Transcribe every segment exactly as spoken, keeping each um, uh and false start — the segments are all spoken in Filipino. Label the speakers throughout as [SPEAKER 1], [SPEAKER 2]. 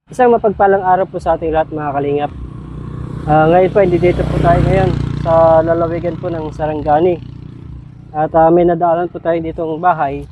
[SPEAKER 1] Isang mapagpalang araw po sa ating lahat mga kalingap. Uh, ngayon po, hindi dito po tayo ngayon sa lalawigan po ng Sarangani. At uh, may nadaanan po tayo ditong bahay.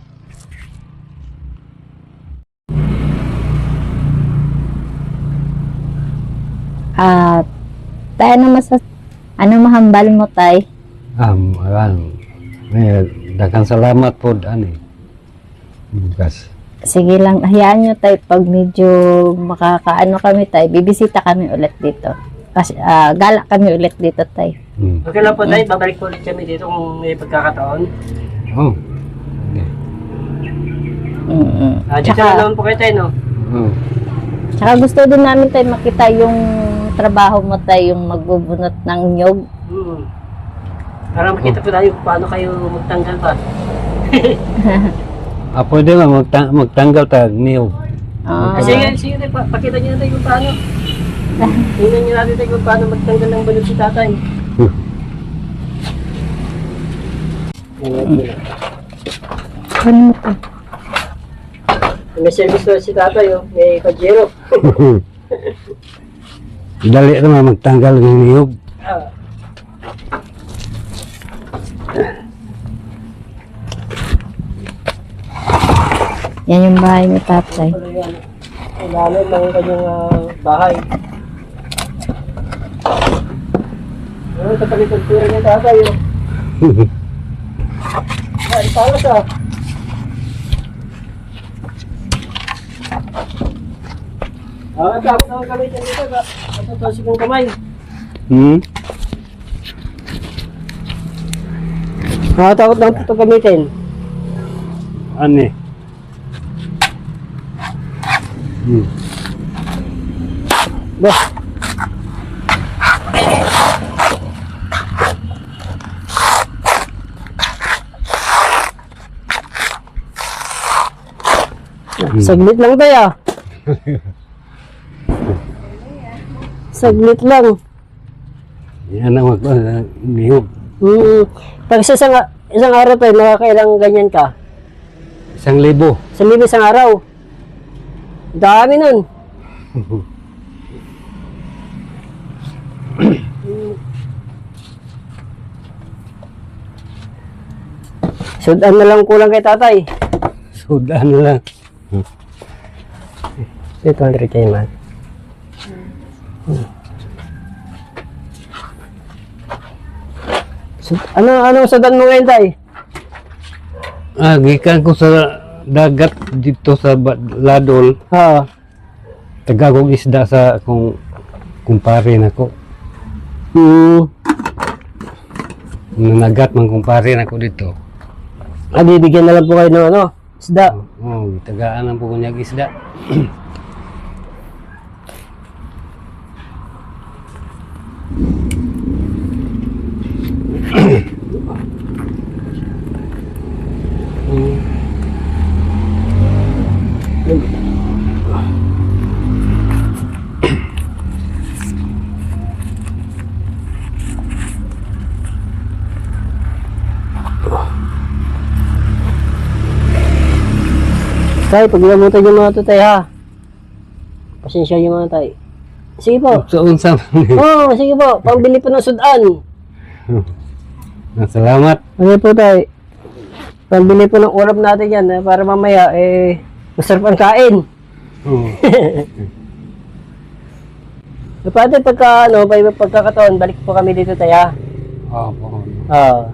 [SPEAKER 2] At tayo naman sa ano mahambal mo tay?
[SPEAKER 3] Um, alam, may daghang salamat po ani. Bukas.
[SPEAKER 2] Sige lang, hayaan nyo tay pag medyo makakaano kami tay, bibisita kami ulit dito. Kasi ah, gala kami ulit dito tay.
[SPEAKER 3] Hmm.
[SPEAKER 1] Okay lang po tayo, babalik po ulit kami dito kung may pagkakataon.
[SPEAKER 3] Oh. Okay.
[SPEAKER 2] Mm-mm.
[SPEAKER 1] Uh, dito
[SPEAKER 2] Tsaka,
[SPEAKER 1] na naman po kayo tayo, no?
[SPEAKER 3] Oh.
[SPEAKER 2] tsaka gusto din namin tay makita yung trabaho mo tay, yung magbubunot ng nyog.
[SPEAKER 1] Hmm. Para makita po tayo kung paano kayo magtanggal pa.
[SPEAKER 3] Ah, pwede ba magta- magtanggal tag niyog?
[SPEAKER 2] Ah,
[SPEAKER 1] Sige, sige tayo, pa- pakita nyo natin kung paano. Tingnan nyo natin tayo kung paano magtanggal ng balot si tatay.
[SPEAKER 2] ano mo tay?
[SPEAKER 1] May service na si tatay, oh. May pajero.
[SPEAKER 3] Dali naman magtanggal ng niyog.
[SPEAKER 1] Ah.
[SPEAKER 2] Yan yung bahay ni tatay.
[SPEAKER 1] Ano yan? Lalo lang yung kanyang ah, bahay. Ano, kapag-ikultura niya tatay, oh. Ay, palas ah. Ah, tapos ako kamay dyan dito, ba? Natatosik ang kamay.
[SPEAKER 3] Hmm?
[SPEAKER 1] Ah, takot lang ito gamitin.
[SPEAKER 3] Ani. Hmm.
[SPEAKER 1] Bah. Saglit lang tayo. Saglit lang.
[SPEAKER 3] Yan ang mag uh, niyog.
[SPEAKER 1] Hmm. Pag sa isang, isang araw tayo, nakakailang ganyan ka.
[SPEAKER 3] Isang libo.
[SPEAKER 1] Sa libo isang araw. Dami nun. Sudan na lang kulang kay tatay.
[SPEAKER 3] Sudan lang.
[SPEAKER 1] two hundred kayo man. Sud- ano ano sudan mo ngayon tay?
[SPEAKER 3] Ah, gikan ko sa dagat dito sa Ba- Ladol.
[SPEAKER 1] Ha.
[SPEAKER 3] Tagagong isda sa akong kumpare nako.
[SPEAKER 1] Hmm.
[SPEAKER 3] Nanagat man kumpare nako dito.
[SPEAKER 1] Ah, bibigyan na lang po kayo ng ano, isda.
[SPEAKER 3] Oh, tagaan ang po kunyag isda.
[SPEAKER 1] Tay, pag namutan yung mga to tay ha. Pasensya yung mga tay. Sige po.
[SPEAKER 3] So unsa man.
[SPEAKER 1] Oo, oh, sige po. Pambili po ng sudan.
[SPEAKER 3] Salamat.
[SPEAKER 1] Ano po tay? Pambili po ng ulam natin yan eh, para mamaya eh masarap ang kain.
[SPEAKER 3] Oh.
[SPEAKER 1] E, pwede pagka ano, pag pagkakataon, balik po kami dito tay ha.
[SPEAKER 3] Oh, po.
[SPEAKER 1] Ah.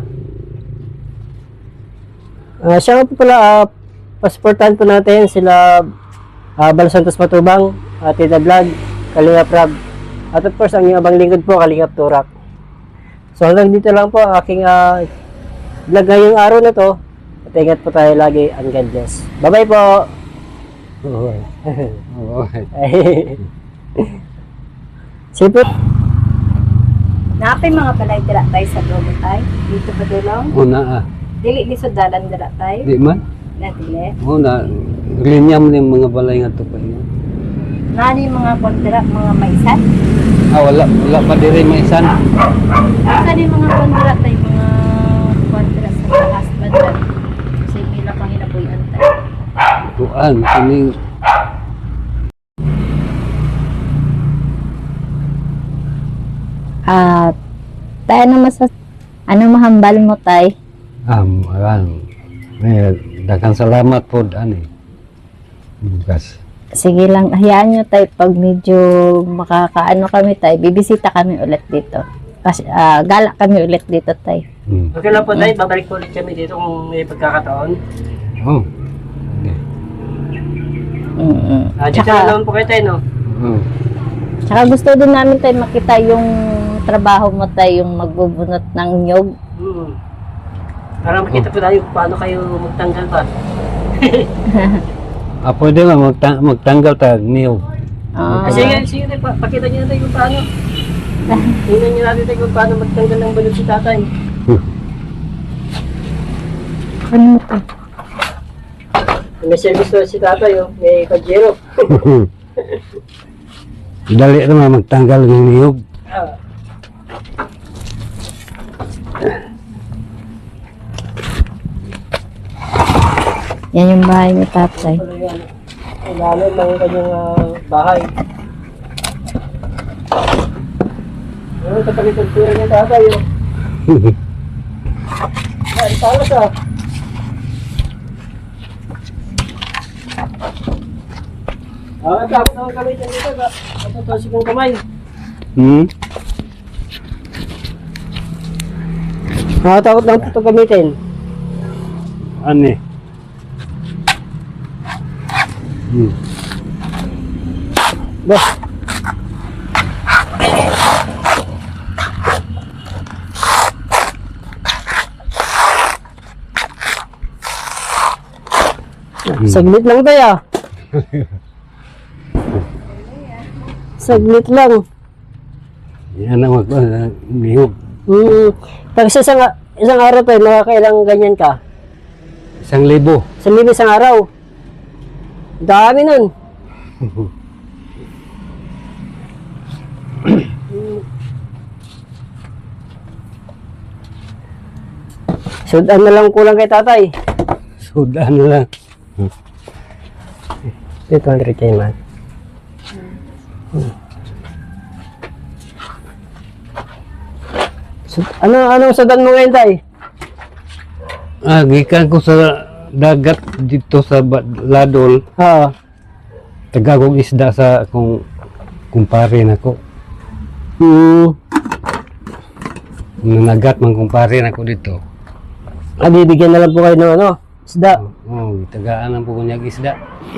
[SPEAKER 1] Ah, siya nga po pala, ah, pasportan po natin sila uh, Bal Santos Matubang, uh, Tita Vlog, Kalingap Rab, at of course ang ibang lingkod po, Kalingap Turak. So hanggang dito lang po ang aking uh, vlog ngayong araw na to. At ingat po tayo lagi, and God bless. Bye bye po!
[SPEAKER 3] Oh. Oh.
[SPEAKER 1] Sige po.
[SPEAKER 2] Napay mga balay dira tay sa dulo tay. Dito pa dulong.
[SPEAKER 3] Una ah.
[SPEAKER 2] Dili ni sudalan dira tay.
[SPEAKER 3] Di man.
[SPEAKER 2] Na dili.
[SPEAKER 3] Una linya mo yung mga balay nga to pa niya.
[SPEAKER 2] Nani mga kontra, mga maisan.
[SPEAKER 3] Ah, wala wala pa diri may isan.
[SPEAKER 2] Nani mga kontra tay, mga kontra sa taas banda. Sa mila pang hinabuyan tay.
[SPEAKER 3] Tuan, kini
[SPEAKER 2] At tayo ano masas ano mahambal mo tay?
[SPEAKER 3] Um, ayan. May daghang salamat po, ani. Bukas.
[SPEAKER 2] Sige lang, hayaan nyo tay pag medyo makakaano kami tay, bibisita kami ulit dito. Kasi ah, gala kami ulit dito tay.
[SPEAKER 3] Hmm.
[SPEAKER 1] Okay lang po tayo, babalik po ulit kami dito kung may pagkakataon.
[SPEAKER 3] Oh. Okay.
[SPEAKER 2] Mm-mm.
[SPEAKER 1] Ah, dito
[SPEAKER 2] Tsaka-
[SPEAKER 1] na naman po kayo tayo, no?
[SPEAKER 3] Oh.
[SPEAKER 2] Tsaka gusto din namin tayo makita yung trabaho mo tayo, yung magbubunot ng nyog.
[SPEAKER 1] Hmm. Para makita po tayo kung paano kayo magtanggal pa.
[SPEAKER 3] Ah, pwede ba magta- magtanggal tag niyog?
[SPEAKER 2] Ah,
[SPEAKER 1] Kasi nga, sige tayo, pa- pakita niyo natin kung paano. Tingnan niyo natin tayo kung paano magtanggal ng balot si tatay.
[SPEAKER 2] ano mo to?
[SPEAKER 1] May service to si tatay, oh. May kajero.
[SPEAKER 3] Dali naman magtanggal ng niyog.
[SPEAKER 1] Ah.
[SPEAKER 2] Yan yung bahay ni tatay.
[SPEAKER 1] Ano yan? Ang lalim ng kanyang ah, bahay. Ano, kapag ikultura niya tatay, oh. Ay, talas ah. Ah, tapos naman kami dyan dito. Kapatosik ng kamay.
[SPEAKER 3] Hmm?
[SPEAKER 1] Nakatakot lang ito gamitin.
[SPEAKER 3] Ani? Hmm.
[SPEAKER 1] Bah. Saglit lang tayo ah. Saglit lang.
[SPEAKER 3] Yan ang mag uh, niyog.
[SPEAKER 1] Hmm. Pag sa isang, isang araw tayo, nakakailang ganyan ka.
[SPEAKER 3] Isang libo.
[SPEAKER 1] Sa libo isang araw. Dami nun. Sudan na lang kulang kay tatay.
[SPEAKER 3] Sudan na lang.
[SPEAKER 1] two hundred kay man. Sud- ano anong sudan mo ngayon tay?
[SPEAKER 3] Ah, gikan ko sa dagat dito sa Ba- Ladol.
[SPEAKER 1] Oo.
[SPEAKER 3] Tagagong isda sa akong kumpare nako.
[SPEAKER 1] Hmm.
[SPEAKER 3] Nanagat man kumpare nako dito.
[SPEAKER 1] Ah, bibigyan na lang po kayo ng ano, isda.
[SPEAKER 3] Oh, tagaan ang po kunyag isda.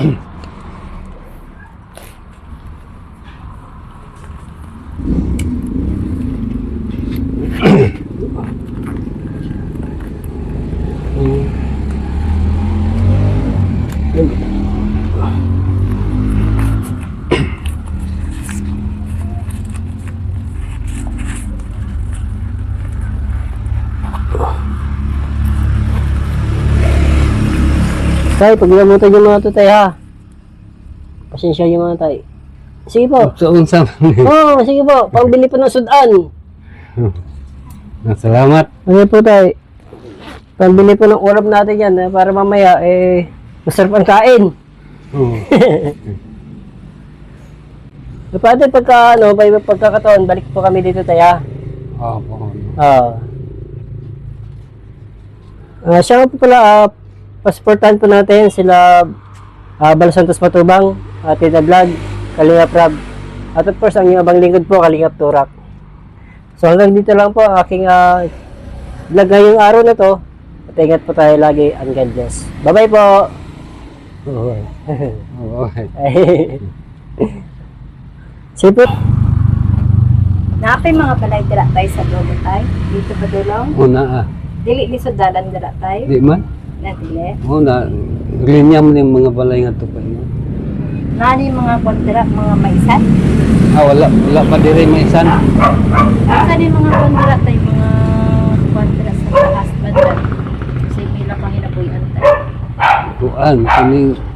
[SPEAKER 1] Tay, pag namutan yung mga to tay ha. Pasensya yung mga tay. Sige po.
[SPEAKER 3] So unsa man.
[SPEAKER 1] Oo, oh, sige po. Pambili po ng sudan.
[SPEAKER 3] Salamat.
[SPEAKER 1] Ano po tay? Pambili po ng ulam natin yan eh, para mamaya eh masarap ang kain.
[SPEAKER 3] Oh.
[SPEAKER 1] E, pwede pagka ano, pag pagkakataon, balik po kami dito tay ha.
[SPEAKER 3] Oh, po.
[SPEAKER 1] Oo. Ah, siya nga po pala, ah, pasportan po natin sila uh, Bal Santos Matubang, uh, Tita Vlog, Kalingap Rab, at of course ang ibang lingkod po, Kalingap Turak. So hanggang dito lang po ang aking uh, vlog ngayong araw na to. At ingat po tayo lagi, and God bless. Bye bye po!
[SPEAKER 3] Oh. Oh.
[SPEAKER 1] Sige po.
[SPEAKER 2] Napay mga balay dira tay sa dulo tay. Dito pa dulong.
[SPEAKER 3] Una ah.
[SPEAKER 2] Dili ni sudalan dira tay.
[SPEAKER 3] Di man.
[SPEAKER 2] Na dili.
[SPEAKER 3] Oh, na linya mo yung mga balay nga tupad mo.
[SPEAKER 2] Nani mga kontra mga maisan.
[SPEAKER 3] Ah, wala wala pa dire may isan.
[SPEAKER 2] Asa ni mga kontra tay mga kontra sa taas banda. Sa ila pang hinabuyan tay.
[SPEAKER 3] Tuan, kini